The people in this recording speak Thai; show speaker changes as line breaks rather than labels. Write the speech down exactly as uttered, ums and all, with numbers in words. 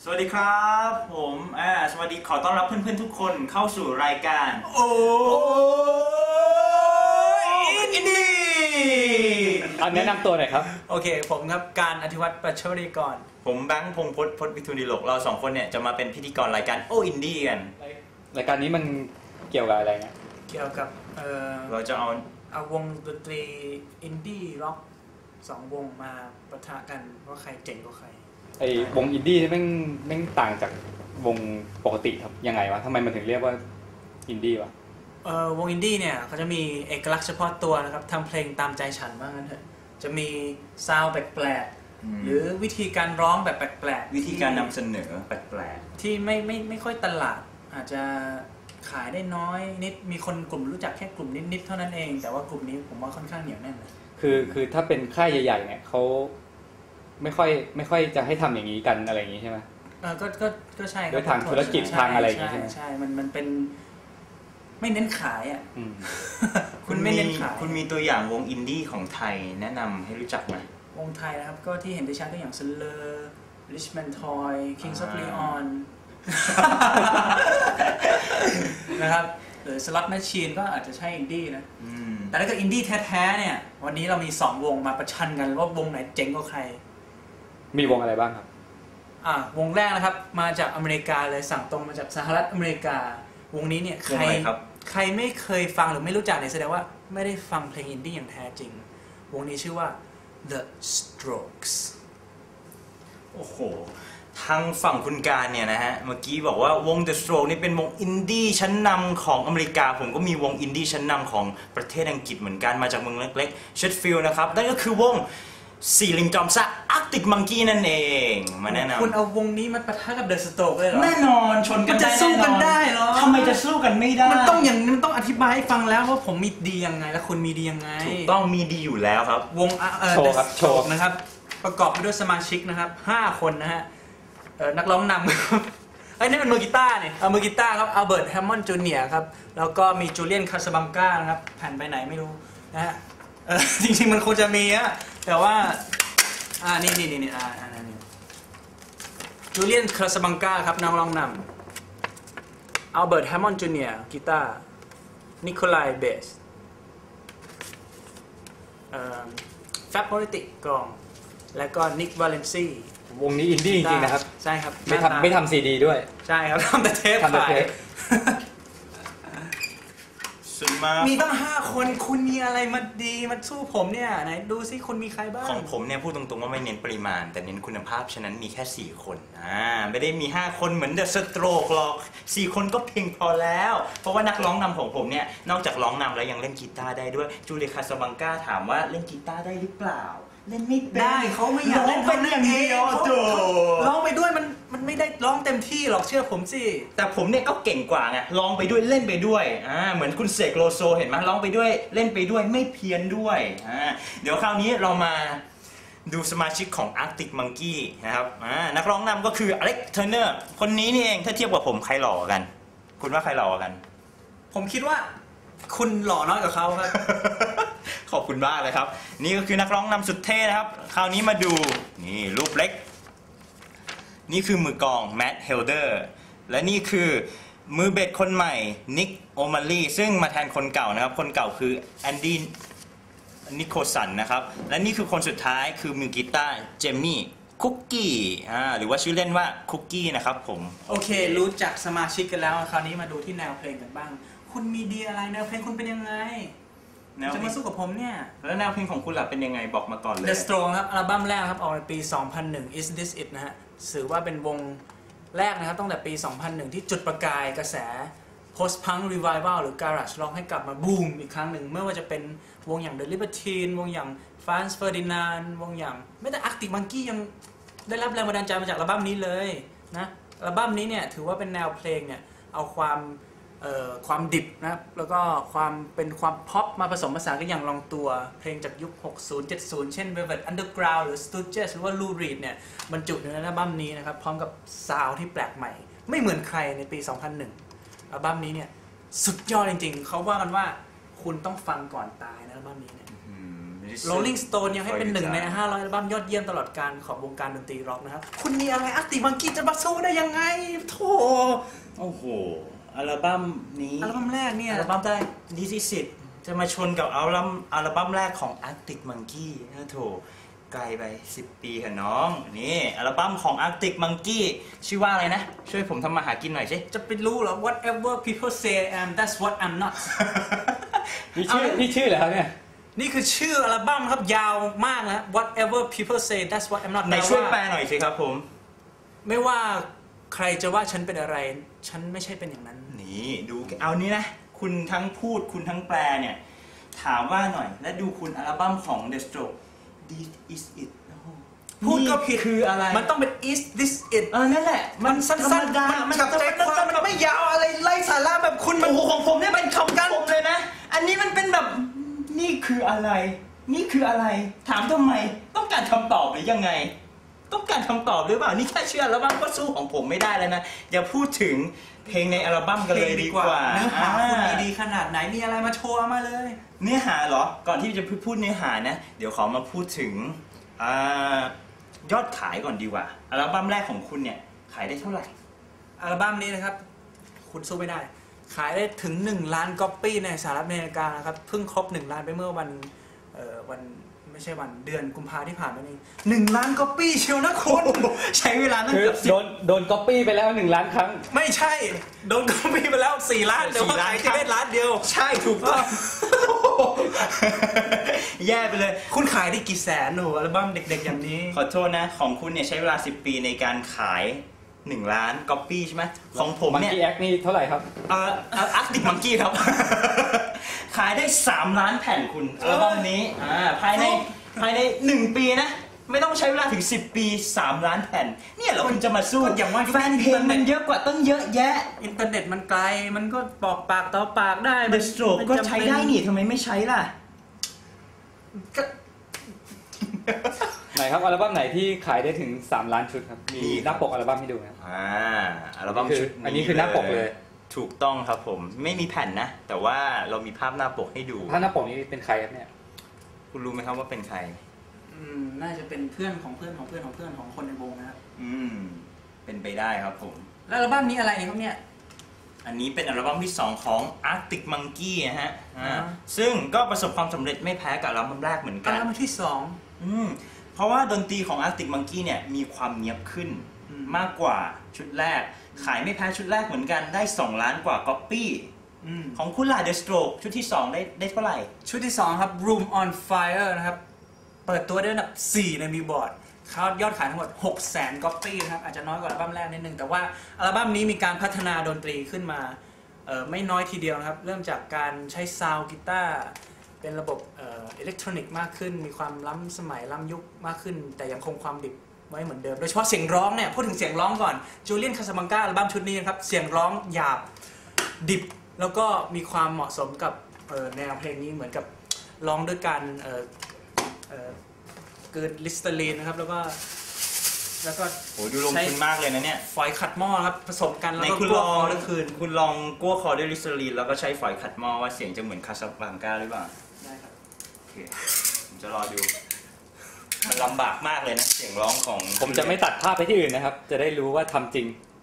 สวัสดีครับผมอ่าสวัสดีขอต้อนรับเพื่อนๆทุกคนเข้าสู่รายการโอ้อินดี้
อันแนะนำตัวหน่อยครับ
โอเคผมครับการอธิวัตรปัชวริกร
ผมแบงค์พงษ์พจน์พจน์วิทูลดิโลกเราสองคนเนี่ยจะมาเป็นพิธีกรรายการโอ้อินดี้กัน
รายการนี้มันเกี่ยวกับอะไรเนี่ย
เกี่ยวกับเออ
เราจะเอา
เอาวงดนตรีอินดี้ร็อกสองวงมาปะทะกันว่าใครเจ๋งกว่าใคร
ไอ้วงอินดี้นี่แม่งแม่งต่างจากวงปกติครับยังไงวะทำไมมันถึงเรียกว่าอินดี้วะ
เออวงอินดี้เนี่ยเขาจะมีเอกลักษณ์เฉพาะตัวนะครับทำเพลงตามใจฉันว่างั้นเถอะจะมีซาวด์แปลกๆหรือวิธีการร้องแบบแปลก
ๆวิธีการนำเสนอแปลก
ๆที่ไม่ไม่ไม่ค่อยตลาดอาจจะขายได้น้อยนิดมีคนกลุ่มรู้จักแค่กลุ่มนิดๆเท่านั้นเองแต่ว่ากลุ่มนี้ผมว่าค่อนข้างเหนียวแน่น
คือคือถ้าเป็นค่ายใหญ่ๆเนี่ยเขาไม่ค่อยไม่ค่อยจะให้ทำอย่างนี้กันอะไรอย่างนี้ใช่ไหม
เออก็ก็ก็ใช่
ด้วยทางธุรกิจทางอะไรอย่างนี้
ใช่ใช่มันมันเป็นไม่เน้นขายอ่ะ
คุณไม่เน้นขายคุณมีตัวอย่างวงอินดี้ของไทยแนะนำให้รู้จักไหม
วงไทยนะครับก็ที่เห็นได้ชัดก็อย่าง Slur Richmond Toy Kings of Leon นะครับหรือ Slot Machine ก็อาจจะใช่อินดี้นะแต่ถ้าเกิดอินดี้แท้ๆเนี่ยวันนี้เรามีสองวงมาประชันกันว่าวงไหนเจ๋งกว่าใคร
มีวงอะไรบ้างครับ
อ่าวงแรกนะครับมาจากอเมริกาเลยสั่งตรงมาจากสหรัฐอเมริกาวงนี้เนี่ยใครใครไม่เคยฟังหรือไม่รู้จักเนี่ยแสดงว่าไม่ได้ฟังเพลงอินดี้อย่างแท้จริงวงนี้ชื่อว่า The Strokes
โอ้โหทางฝั่งคุณการเนี่ยนะฮะเมื่อกี้บอกว่าวง The Strokes นี่เป็นวงอินดี้ชั้นนำของอเมริกาผมก็มีวงอินดี้ชั้นนำของประเทศอังกฤษเหมือนกันมาจากเมืองเล็กๆเชดฟิลด์นะครับนั่นก็คือวงสี่ลิงจอมซ่าอาร์กติกมังกี้นั่นเองมาแนะนำ
คุณเอาวงนี้มาปะทะกับ The Strokes เลยเหรอ
แน่นอนชนกัน
จะสู้กันได้เหรอ
ทำไมจะสู้กันไม่ได้
มันต้องอย่างมันต้องอธิบายให้ฟังแล้วว่าผมมีดียังไงและคุณมีดียังไง
ถูกต้องมีดีอยู่แล้วครับ
วงโชว์ครับโชว์นะครับประกอบไปด้วยสมาชิกนะครับห้าคนนะฮะนักร้องนำไอ้นี่เป็นมือกีตาร์เนี่ยเอามือกีตาร์ครับอัลเบิร์ตแฮมมอนด์จูเนียร์ครับแล้วก็มีจูเลียนคาสบังกานะครับแผ่นไปไหนไม่รู้นะฮะจริงๆมันคงจะมีอะแต่ว่าอ่านี่นี่นี่อ่าอ่านี่จูเลียนคาสบังกาครับนักร้องนำอัลเบิร์ตแฮมมอนด์จูเนียร์กีตาร์นิโคลายเบสแฟบโพลิติกกลองแล้วก็นิกวาเลนซี่
วงนี้อินดี้จริงๆนะครับ
ใช่ครับ
ไม่ทำไม่ทำซีดีด้วย
ใช่ครับทำแต่เทป
ทำแต่เทป
มีตั้งห้าคนคุณมีอะไรมาดีมาสู้ผมเนี่ยไหนดูซิคุณมีใครบ้าง
ของผมเนี่ยพูดตรงๆว่าไม่เน้นปริมาณแต่เน้นคุณภาพฉะนั้นมีแค่สี่คนอ่าไม่ได้มีห้าคนเหมือนเดอะสโตรกหรอกสี่คนก็เพียงพอแล้วเพราะว่านักร้องนำของผมเนี่ยนอกจากร้องนำแล้วยังเล่นกีตาร์ได้ด้วยจูเลียคาสบังกาถามว่าเล่นกีตาร์ได้หรือเปล่าเล่นไม่
ได้เขาไม่อยากเล่น
เป็นอย่างนี้
ร้องไปด้วยมันมันไม่ได้ร้องเต็มที่หรอกเชื่อผมสิ
แต่ผมเนี่ยก็เก่งกว่าไงร้องไปด้วยเล่นไปด้วยอ่าเหมือนคุณเสกโลโซเห็นไหมร้องไปด้วยเล่นไปด้วยไม่เพี้ยนด้วยอ่าเดี๋ยวคราวนี้เรามาดูสมาชิกของ Arctic Monkey นะครับอ่านักร้องนำก็คืออเล็กเทอร์เนอร์คนนี้นี่เองถ้าเทียบกับผมใครหล่อกันคุณว่าใครหล่อกัน
ผมคิดว่าคุณหล่อน้อยกว่าเขาครับ
ขอบคุณมากเลยครับนี่ก็คือนักร้องนำสุดเท่นะครับคราวนี้มาดูนี่รูปเล็กนี่คือมือกลองแมทเฮลเดอร์และนี่คือมือเบสคนใหม่นิกโอมาลีซึ่งมาแทนคนเก่านะครับคนเก่าคือแอนดี้นิโคสันนะครับและนี่คือคนสุดท้ายคือมือกีตาร์เจมี่คุกกี้อ่าหรือว่าชื่อเล่นว่าคุกกี้นะครับผม
โอเครู้จักสมาชิกกันแล้วคราวนี้มาดูที่แนวเพลงกันบ้างคุณมีดีอะไรแนวเพลงคุณเป็นยังไงจะมาสู้กับผมเนี่ย
แล้วแนวเพลงของคุณล่ะเป็นยังไงบอกมาก่อนเลย
The Strokes ครับอัลบั้มแรกครับออกในปี สองพันหนึ่ง Is This It นะฮะถือว่าเป็นวงแรกนะครับตั้งแต่ปี สองพันหนึ่ง ที่จุดประกายกระแส Post Punk Revival หรือ Garage Rock ให้กลับมาบูมอีกครั้งหนึ่งไม่ว่าจะเป็นวงอย่าง The Libertines วงอย่าง Franz Ferdinand วงอย่างไม่แต่ Arctic Monkey ยังได้รับแรงบันดาลใจมาจากอัลบั้มนี้เลยนะอัลบั้มนี้เนี่ยถือว่าเป็นแนวเพลงเนี่ยเอาความความดิบนะครับแล้วก็ความเป็นความพ็อปมาผสมผสานกันอย่างลงตัวเพลงจากยุค หกสิบ เจ็ดสิบ เช่น Velvet Underground หรือ Stooges หรือว่า Lou Reed เนี่ยบรรจุอยู่ในอัลบั้มนี้นะครับพร้อมกับซาวด์ที่แปลกใหม่ไม่เหมือนใครในปี สองพันหนึ่ง อัลบั้มนี้เนี่ยสุดยอดจริงๆเขาว่ากันว่าคุณต้องฟังก่อนตายนะอัลบั้มนี้เนี่ย
ย
Rolling Stone ยังให้เป็นหนึ่งในห้าร้อยอัลบั้มยอดเยี่ยมตลอดการของวงการดนตรีร็อกนะครับคุณมีอะไรอาร์ติมังกี้จะมาสู้ได้ยังไงโธ่
โอ้โหอัลบั้มนี้
อัลบั้มแรกเนี่ย
อัลบั้มแรกดิซิสิตจะมาชนกับอัลบั้มอัลบั้มแรกของ Arctic Monkey นะโถไกลไปสิบปีค่ะน้องนี่อัลบั้มของ Arctic Monkey ชื่อว่าอะไรนะ ช่วยผมทำมาหากินหน่อยสิ
จะไปรู้เหรอ whatever people say I am that's what I'm not
นี่ชื่อนี่ชื่อเหรอครับเนี่ย
นี่คือชื่ออัลบั้มครับยาวมากนะ whatever people say that's what I'm not
ไหนช่วยแปลหน่อยสิครับผม
ไม่ว่าใครจะว่าฉันเป็นอะไรฉันไม่ใช่เป็นอย่างนั้น
นี่ดูเอานี้นะ คุณทั้งพูดคุณทั้งแปลเนี่ย ถามว่าหน่อย และดูคุณอัลบั้มของ The Stroke This Is It
พูดก็ผิด
คืออะไร
มันต้องเป็น is this it
เออนั่นแหละ
มันสั้นๆมันจับใจความมันไม่ยาวอะไรไร้สาระแบบคุณมัน
โอ้โหของผมเนี่ยเป็นคำกันผมเลยนะ อันนี้มันเป็นแบบนี่คืออะไร นี่คืออะไร ถามทำไมต้องการคำตอบหรือยังไง ต้องการคำตอบหรือเปล่านี่แค่เชื่ออัลบั้มก็สู้ของผมไม่ได้แล้วนะอย่าพูดถึงเพลงในอัลบั้มกันเลยดีกว่า
เนื้อหาคุณ
อ่า
ดีๆขนาดไหนมีอะไรมาโชว์มาเลย
เนื้อหาเหรอ ก่อนที่จะพูดเนื้อหานะ เดี๋ยวขอมาพูดถึงอายอดขายก่อนดีกว่า อัลบั้มแรกของคุณเนี่ยขายได้เท่าไหร่
อัลบั้มนี้นะครับ คุณสู้ไม่ได้ ขายได้ถึงหนึ่งล้านก๊อปปี้ในสหรัฐอเมริกานะครับเพิ่งครบหนึ่งล้านไปเมื่อวันเอ่อวันไม่ใช่วันเดือนกุมภาที่ผ่านมานี่หนึ่งล้านก๊อปปี้เชียวนะคุณ
ใช้เวลาตั้ง
คือ
เกือบสิบ
โดนโดนก๊อปปี้ไปแล้วหนึ่งล้านครั้ง
ไม่ใช่โดนก๊อปปี้ไปแล้วสี่ล้านแต่ว่าขายแค่ได้ล้านเดียว
ใช่ถูกต้อง แย่ไปเลย
คุณขายได้กี่แสนหนูอัลบั้มเด็กๆอย่างนี้
ขอโทษนะ ของคุณเนี่ยใช้เวลาสิบปีในการขายหนึ่งล้านก๊อปปี้ใช่ไหมของผม
มัง
เนี่ย
กี้แอคนี่เท่าไหร่ครับ
เอ่ออาร์ติกมังกี้ครับ ขายได้สามล้านแผ่นคุณอัลบั้มนี้อ่าภายในภายในหนึ่งปีนะ ไม่ต้องใช้เวลาถึงสิบปีสามล้านแผ่น เนี่ยเหรอคุณจะมาสู้
ก็อย่างว่า
แฟนเพลงมันเยอะกว่าตั้งเยอะแยะ
อินเทอร์เน็ตมันไกลมันก็บอกปากต่อปากได้
The Stroke ก็ใช้ได้นี่ทำไมไม่ใช้ล่ะ
ก็
ไหนครับอัลบั้มไหนที่ขายได้ถึงสามล้านชุดครับมี
มี
หน้าปกอัลบั้มให้ดูนะครับ
อ่าอัลบั้ม
คือ
ชุด
อันนี้คือหน้าปกเลย
ถูกต้องครับผมไม่มีแผ่นนะ แต่ว่าเรามีภาพหน้าปกให้ดู
ถ้าหน้าปกนี้เป็นใครครับเนี่ย
คุณรู้ไหมครับว่าเป็นใคร
อืมน่าจะเป็นเพื่อนของเพื่อนของเพื่อนของเพื่อนของคนในวงนะครับ
อืมเป็นไปได้ครับผม
แล้วอัลบั้มนี้อะไรครับเนี่ย
อันนี้เป็นอัลบั้มที่สองของ Arctic Monkey นะฮะอ่า
อ่า
ซึ่งก็ประสบความสำเร็จไม่แพ้กับอัลบั้มแรกเหมือน
อั
กั
ล
น
บั้มที่สอง
อืมเพราะว่าดนตรีของ Arctic Monkey เนี่ยมีความเนียบขึ้น
อืม
มากกว่าชุดแรก ขายไม่แพ้ชุดแรกเหมือนกันได้สองล้านกว่าก๊อปปี้
อืม
ของคุณล่ะ The Stroke ชุดที่สองได้ได้เท่าไหร่
ชุดที่สองครับ Room on Fire นะครับ เปิดตัวได้อันดับสี่ในบิลบอร์ดเขายอดขายทั้งหมดหกแสนก๊อปปี้นะครับ อาจจะน้อยกว่าอัลบั้มแรกนิดนึง แต่ว่าอัลบั้มนี้มีการพัฒนาดนตรีขึ้นมาเอ่อไม่น้อยทีเดียวนะครับ เริ่มจากการใช้ซาวด์กีตาร์เป็นระบบเอ่ออิเล็กทรอนิกส์มากขึ้น มีความล้ำสมัยล้ำยุคมากขึ้น แต่ยังคงความดิบไว้เหมือนเดิม โดยเฉพาะเสียงร้องเนี่ย พูดถึงเสียงร้องก่อนจูเลียนคาซาบังกาอัลบั้มชุดนี้นะครับ เสียงร้องหยาบดิบ แล้วก็มีความเหมาะสมกับเอ่อแนวเพลงนี้เหมือนกับร้องด้วยการเอ่อเอ่อเกินลิสเตอรีนนะครับ แล้วก็แล้วก็
โหดูลงทุนมากเลยนะเนี่ย
ฝอยขัดหม้อครับผสมกัน
ใน
แล้วก็
คุณ
ก
ล
ลัว
อง
คอทั้งคืน
คุณลองกั้วคอด้วยลิสเตอรีนแล้วก็ใช้ฝอยขัดหม้อว่าเสียงจะเหมือนคาซาบลังกาหรือเปล่า
ได้ครับ
โอเคผมจะรอดู มันลำบากมากเลยนะ เสียงร้องของ
ผมจะไม่ตัดภาพไปที่อื่นนะครับ จะได้รู้ว่าทำจริง